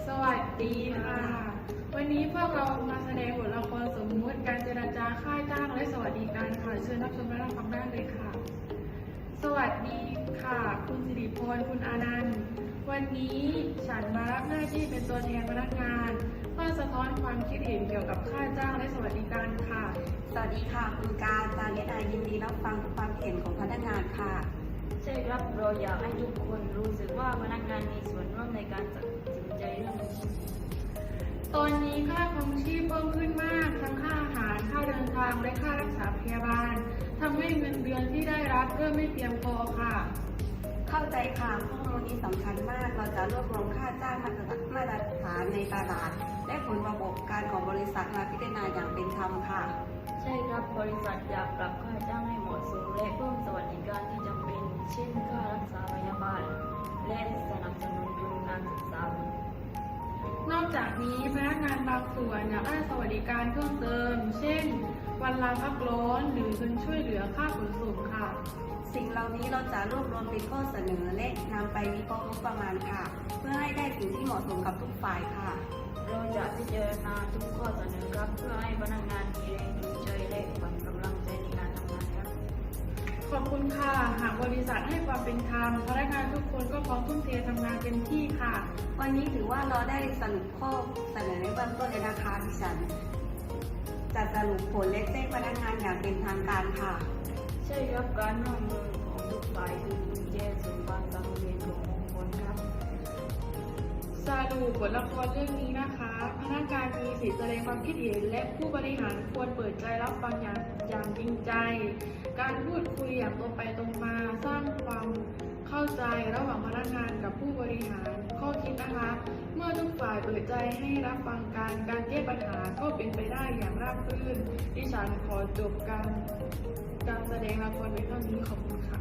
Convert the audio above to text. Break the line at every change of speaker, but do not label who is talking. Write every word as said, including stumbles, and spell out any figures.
สวัสดีค่ะ วันนี้พวกเรามาแสดงบทละครสมมุติการเจรจาค่าจ้างและสวัสดิการค่ะเชิญรับชมและรับฟังได้เลยค่ะ สวัสดีค่ะ คุณสิริพรคุณอานันต์วันนี้ฉันมารับหน้าที่เป็นตัวแทนพนักงานเพื่อสะท้อนความคิดเห็นเกี่ยวกับค่าจ้างและสวัสดิการค่ะ
สวัสดีค่ะคุณการจานิดายินดีรับฟังความเห็นของพนักงานค่ะ
ใช่ครับเราอยากให้ทุกคนรู้สึกว่าพนักงานมีส่วนร่วมในการตัดสินใจเรื่องนี้
ตอนนี้ค่าครองชีพเพิ่มขึ้นมากทั้งค่าอาหารค่าเดินทางและค่ารักษาพยาบาลทำให้เงินเดือนที่ได้รับเริ่มไม่เพียงพอค่ะ
เข้าใจค่ะข้อมูลนี้สำคัญมาก เราจะรวบรวมค่าจ้างมาตรมาตรฐานในตลาด และผลประกอบการของบริษัทมาพิจารณาอย่างเป็นธรรมค่ะ
ใช่ครับบริษัทอยากปรับค่าจ้างให้เหมาะสมและเพิ่มสวัสดิการที่จำเป็น เช่นค่ารักษาพยาบาล และสนับสนุนทุนการศึกษา
นอกจากนี้พนักงานบางส่วนอยากได้สวัสดิการเพิ่มเติม เช่น วันลาพักร้อนหรือเงินช่วยเหลือค่าขนส่งค่ะ
สิ่งเหล่านี้เราจะรวบรวมเป็นข้อเสนอและนำไปวิเคราะห์งบประมาณค่ะ เพื่อให้ได้สิ่งที่เหมาะสมกับทุกฝ่ายค่ะ
เราจะพิจารณาทุกข้อเสนอครับเพื่อให้พนักงานมีแรงจูงใจและขวัญกำลังใจในการทำงานครับ
ขอบคุณค่ะ หากบริษัทให้ความเป็นธรรมพนักงานทุกคนก็พร้อมทุ่มเททำงานเต็มที่ค่ะ
วันนี้ถือว่าเราได้สรุปข้อเสนอในเบื้องต้นเลยนะคะดิฉันจะสรุปผลและแจ้งพนักงานอย่างเป็นทางการค่ะ
ใช่ครับการร่วมมือของทุกฝ่ายคือกุญแจสู่ความสำเร็จขององค์กรครับ
สรุปบทละครเรื่องนี้นะคะ พนักงานมีสิทธิแสดงความคิดเห็นและผู้บริหารควรเปิดใจรับฟังอย่างอย่างจริงใจ การพูดคุยอย่างตรงไปตรงมาสร้างความเข้าใจระหว่างพนักงานกับผู้บริหาร ข้อคิดนะคะ เมื่อทุกฝ่ายเปิดใจให้รับฟังกันการแก้ปัญหาก็เป็นไปได้อย่างราบรื่นดิฉันขอจบการการแสดงละครไว้เท่านี้ขอบคุณค่ะ